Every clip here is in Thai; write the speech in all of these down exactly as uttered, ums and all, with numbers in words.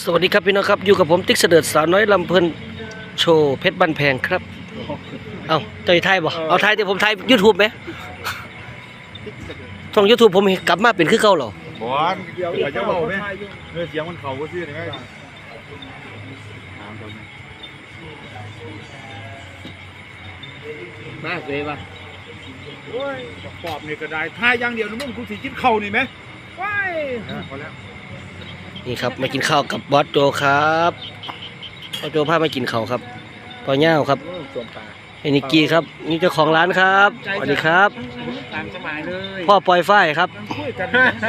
สวัสดีครับพี่น้องครับอยู่กับผมติ๊กเสดิร์ดสาวน้อยลำเพลินโชว์เพชรบันแพงครับเอาเตยไทยบ่เอาไทยแต่ผมไทยยูทูบไหมช่องยูทูบผมกลับมาเป็นคือเก่าหรอบอลเดี๋ยวจะบอกไหมเนื้อเสียงมันเข่าก็ชื่อได้ไหมมาเลยป่ะโอ้ยปอบนี่ก็ได้ทายอย่างเดียวนะมึงกูสิกินเข่านี่ไหมว้ายพอแล้วนี่ครับมากินข้าวกับบอสโจครับบอสโจพามากินข้าวครับปอเน่าครับสวมปากไอ้นิกกี้ครับนี่เจ้าของร้านครับสวัสดีครับตามสมัยเลยพ่อปอยฝ้ายครับคุยกัน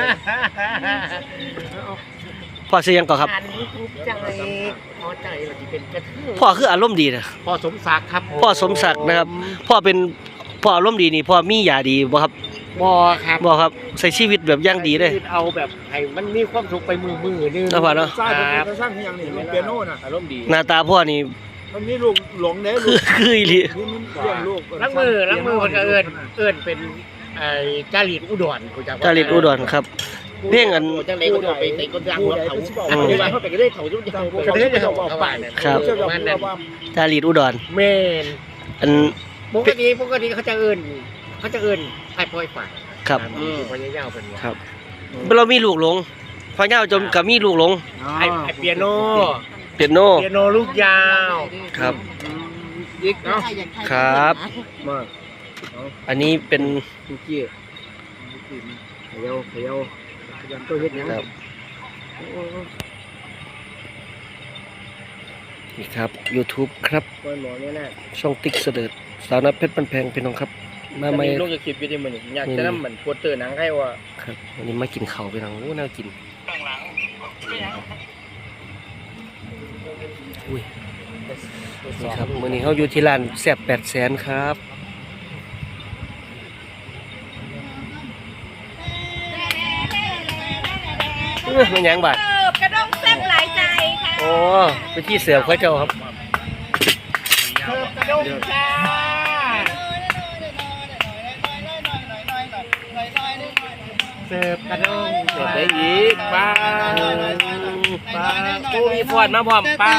พ่อเสียงก่อนครับอันนี้ภูมิใจพอใจว่าที่เป็นกระเทยพ่อคืออารมณ์ดีนะพ่อสมศักดิ์ครับพ่อสมศักดิ์นะครับ พ่อเป็นพ่ออารมณ์ดีนี่พ่อมียาดีบ่ครับบอครับบ่ครับใส่ชีวิตแบบย่างดีเลยเอาแบบให้มันมีความสุขไปมือมือนึงแล้วพ่อเนาะสร้างเป็นสร้างที่อย่างนี้เปียโน่น่ะอารมณ์ดีหน้าตาพ่อนี่มันมีลูกหลงเด้คือคืออีหลีนี่มันเรื่องลูกล้างมือล้างมือคนก็เอิญเอิญเป็นไอ้จารีตอุดรกูจักจาริตอุดรครับเพ่งอันจังเลยก็โดนไปในคนดังหัวเขาอันนี้ว่าเขาไปก็ได้เขาจุดยังก็ได้เขาเอาไปครับมันนั่นจาริตอุดรเมนอันปกติปกติเขาจะเอิญเขาจะเอิญไอ้ปล่อยฝ่ายครับพญายาวเป็นครับเรามีลูกหลงพ่อเน่าจนกับมีลูกหลงไอ้ไอ้เปียโนเปียโนเปียโนลูกยาวครับยิกเนาะครับมาอันนี้เป็นลูกเจี๊ยเขียวเขียวยังตัวเฮ็ดยังครับนี่ครับ YouTube ครับปล่อยหมอเนี่ยนะช่องติ๊กเสดิร์ดสาวน้อยเพชรบันแพงพี่น้องครับมาใหม่ลูกจะคลิปอยู่ที่มันอยากจะนำเหมือนโปสเตอร์หนังใครว่าครับวันนี้มากินข้าวพี่น้องโอ้น่ากินอุ้ยนี่ครับมื้อนี้เขาอยู่ที่ร้านแซ่บแปดแสนครับเอ้ยมันหยังบาดเสิร์ฟกระด้งแซ่บหลายใจค่ะโอ้ไปที่เสือเขาเจ้าครับเพิ่มกระด้งจ้า เสิร์ฟกระด้งเสิร์ฟได้อีกป้าป้ากูมีฟอนมาพร้อมป้า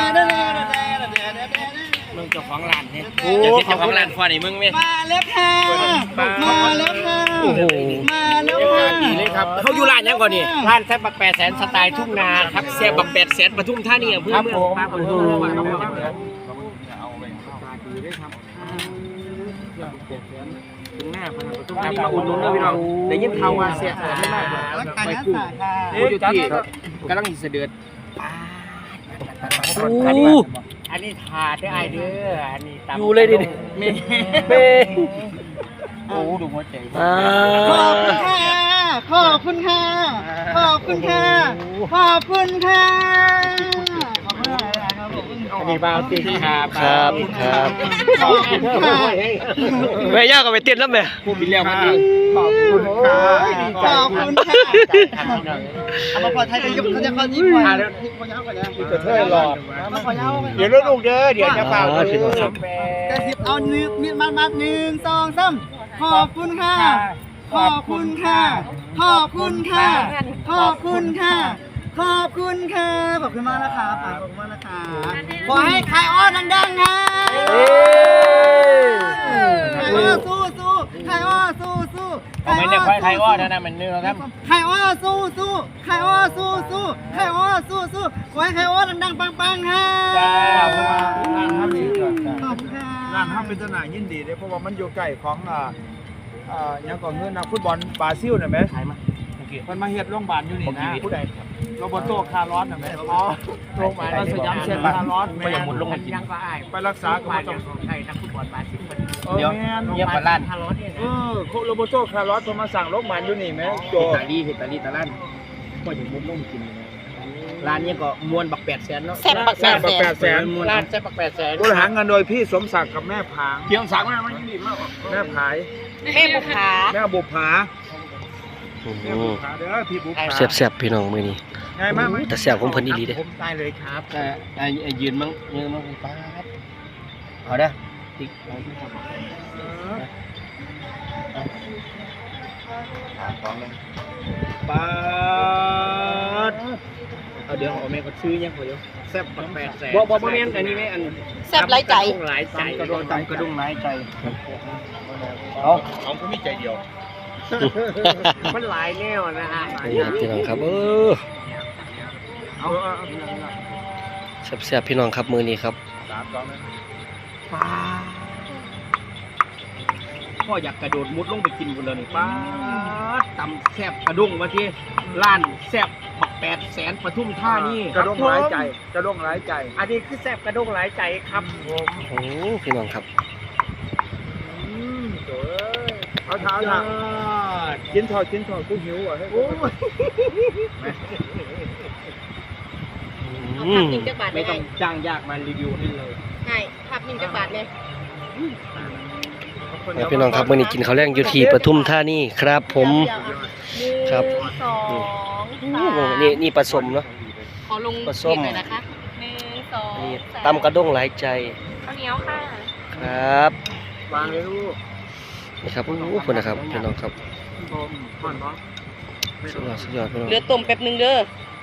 มึงเจ้าของร้านเนี่ยเจ้าที่เจ้าของร้านฟอนนี่มึงไหมมาแล้วค่ะ มาแล้วค่ะโอ้โหมาแล้วเรียกค่ะการดีเลยครับเขาอยู่ร้านยังก่อนนี่ร้านแซ่บบักแปดแสนสไตล์ทุ่งนาครับแซ่บบักแปดแสนปทุมธานีอำเภอเมืองป้าคนรู้ว่าเขาเป็นยังไงถึงหน้าพนักตุ้งมาอุดหนุนเลยพี่น้องได้ยินข่าวว่าเสียหายมากไปกุ้งโอ้ยที่กำลังเสด็จโอ้อันนี้ถาดได้ไอเด้ออันนี้ตำอยู่เลยดิเม่เม่โอ้ดูหัวใจอ่าขอบคุณค่ะ ขอบคุณค่ะ ขอบคุณค่ะ ขอบคุณค่ะ ขอบคุณค่ะอันนี้บาวติครับครับครับขอบคุณค่ะแม่ย่าก็ไปเต้นแล้วแม่ผู้บินแล้วมันดีขอบคุณค่ะขอบคุณค่ะเอามาพอไทยจะยกเขาจะเข้าญี่ปุ่นพอยาวกันนะกระเทยหลอดมาพอยาวเดี๋ยวลูกเด้อเดี๋ยวจะเป่ากระสิบเอาหนึ่งมีดมัดมัดหนึ่งสองสามขอบคุณค่ะ ขอบคุณค่ะ ขอบคุณค่ะ ขอบคุณค่ะ ขอบคุณค่ะ ขอบคุณมากนะคะขอบคุณมากนะคะขอให้ใครอ้อนดังๆค่ะใครอ้อสู้สู้ใครอ้อสู้สู้เอาไม่ได้ควายไทยอ้อนะนะมันเนื้อครับใครอ้อสู้สู้ใครอ้อสู้สู้ใครอ้อสู้สู้ขอให้ใครอ้อดังๆปังๆค่ะจ้าร้านห้ามดีก่อนขอบคุณค่ะร้านห้ามเป็นสนามยินดีเลยเพราะว่ามันอยู่ใกล้ของอ่าอ่ายังก่อนเงินนักฟุตบอลบราซิลน่ะแม่ขายมาโอเคมันมาเฮ็ดโรงพยาบาลอยู่นี่นะผู้ใดโรเบโตคาร์ลอสน่ะแม่อ๋อโรงพยาบาลสยามเซ็นคาร์ลอสไม่อยากหมดลงมากินยังก็อายไปรักษาก็บ้าบ่นต้ยัองงของไทยนักฟุตบอลบาซิลมันเดี๋ยวแม่นเยี่ยมกว่าล้านฮาร์ลอสเนี่ยเออโคโรโบโตคาร์ลอสเพิ่นมาสั่งโรงพยาบาลอยู่นี่แม่โจเฮตาลีเฮตาลีตะลั่นก็อย่างมุดลงกินร้านนี้ก็มวนบักแปดแสนเนาะแซ่บบักแซ่บบักแปดแสนร้านแซ่บบักแปดแสนบริหารเงินโดยพี่สมศักดิ์กับแม่ผางเพียงสักมากมันดีมากแม่ผายแม่บุภาแม่บุภาโอ้โหแม่บุภาเด้อพี่บุภาแซ่บๆพี่น้องมื้อนี้ไงมากไหมแต่แซ่บของเพิ่นอีหลีเด้ผมตายเลยครับแต่ไอ้ยืนมั้งยืนมั้งป๊าดเอาเด้อติ๊กเอาที่ทำปาดเอาเดี๋ยวเอาแม่ก็ซื้อยังพอเดี๋ยวแซ่บปักแปดแสนบ่บ่บ่แม่นอันนี้แม่อันแซ่บหลายใจหลายใจกระโดดตามกระดุมหลายใจเอาเอาก็มีใจเดียวมันหลายแนวนะฮะนี่ครับพี่น้องครับเออเอาแซ่บๆพี่น้องครับมือนี้ครับสามสองนะป้าพ่ออยากกระโดดมุดลงไปกินบนเลยนี่ป้าตำแซ่บกระด้งมาที่ร้านแซ่บบักแปดแสนปทุมท่านี่กระด้งหลายใจกระด้งหลายใจอันนี้คือแซ่บกระด้งหลายใจครับผมโอ้พี่น้องครับเอาเท้าหนักกินทอดกินทอดกูหิวอ่ะให้โอ้ยเอาภาพหนึ่งจักบาทไม่ไม่ต้อให้งจ้างยากมารีวิวให้เลยให้ภาพหนึ่งจักบาทเนี่ยแล้วพี่น้องครับมื้อนี้กินข้าวแรงอยู่ที่ปทุมธานีครับผม ครับหนึ่งสองโอ้สามนี่นี่ปลาส้มเนาะขอลงปลาส้มเด็กหน่อยนะคะหนึ่งสองนี่สามตำกระด้งหลายใจข้าวเหนียวค่ะครับวางเลยลูกนี่ครับโอ้โหคนนะครับพี่น้องครับก่อนน้องสุดยอดสุดยอดพี่น้องเหลือต้มแป๊บหนึงเด้อ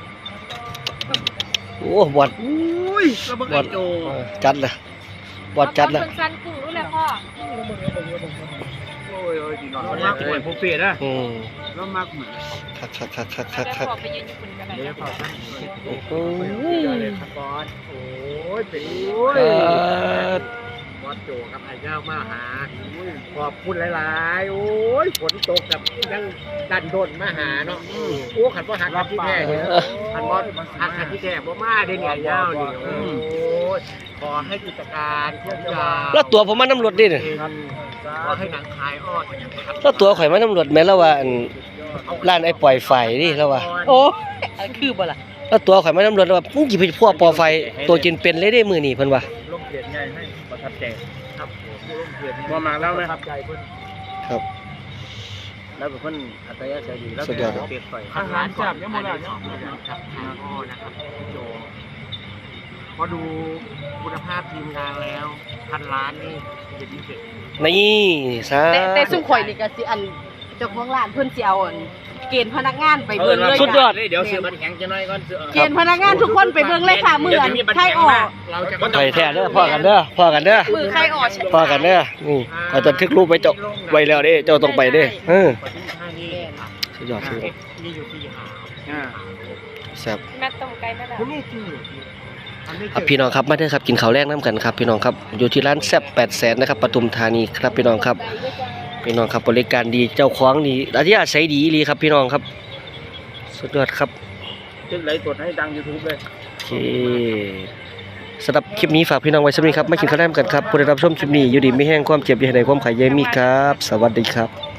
โอ้บอดอุ้ยระเบิดบอดโจเออจัดเลยบอดจัดเลยเอาสั้นๆกุ้งรู้เลยพ่อโอ้ยโอ้ยดีนอนเราเรามามากโอ้ยผมเปลี่ยนนะอืมเรามากเหมือนคักคักคักคักคักแล้วคักพ่อไปยืนอยู่คนกันเลยเดี๋ยวขอตั้งโอ้โหเลยครับบอสโอ้ยเป็นโอ้ยครับบอสโจกับไอ้เจ้ามาหาขอบคุณหลายๆโอ้ยฝนตกกับยังดันโดนมาหาเนาะโอ้ขันว่าหักขันที่แท้เนี่ยขันบอสหักขันที่แท้บ่มาได้เนี่ยยาวดิโอ้ยขอให้กิจการทุกอย่างแล้วตัวผมมาน้ำรถดิเนี่ยขอให้หนังขายออดแล้วตัวข่อยมาน้ำรถแม่นแล้วว่าอันร้านไอ้ปล่อยไฟดิแล้วว่าโอ้อะไรคือบ่ล่ะแล้วตัวข่อยมาน้ำรถแล้วว่ามึงสิไปพวกปอไฟตัวจินเป็นเลยได้มื้อนี้เพิ่นว่าลงเกียรติไงให้ประทับใจครับผมลงเกียรติมามาแล้วไหมประทับใจเพิ่นครับแล้วเป็นคนอัตยาศัยดีแล้วสุดยอดครับเปรียบไปอาหารจับยังหมดแล้วครับทางอ้อนะครับโจพอดูคุณภาพทีมงานแล้วพันล้านนี่เป็นพิเศษนี่ซะแต่แต่ซุ่มข่อยนี่ก็สิอันเจ้าของร้านเพิ่นสิเอาอันเกณฑ์พนักงานไปเบิ่งเลยสุดยอดเดี๋ยวซื้อบัตรแข็งจะน้อยก่อนซื้อเกณฑ์พนักงานทุกคนไปเบิ่งเลยค่ะมื้ออันใครออกเราจะข่อยแท้เด้อพ่อกันเด้อพ่อกันเด้อมือใครออกพ่อกันเด้อนี่ข่อยจะทึกรูปไว้เจ้าไว้แล้วเด้เจ้าต้องไปเด้เออปทุมธานีครับสุดยอดสุดยอดนี่อยู่ที่หาอ่าแซ่บแม่ต้มไก่แม่ล่ะคุณนี่คืออันนี้ครับพี่น้องครับมาเด้อครับกินข้าวแรกน้ำกันครับพี่น้องครับอยู่ที่ร้านแซ่บแปดแสนนะครับปทุมธานีครับพี่น้องครับพี่น้องครับบริการดีเจ้าของดีอาทิตย์อาศัยดีดีครับพี่น้องครับสุดยอดครับจึงไลฟ์สดให้ดัง YouTube เลยโอเคสำหรับคลิปนี้ฝากพี่น้องไว้สักนิดครับมากินข้าวแรกกันครับผู้ได้รับชมคลิปนี้อยู่ดีไม่แห้งความเจ็บอย่าให้ใดความขายเยมีครับ สวัสดีครับ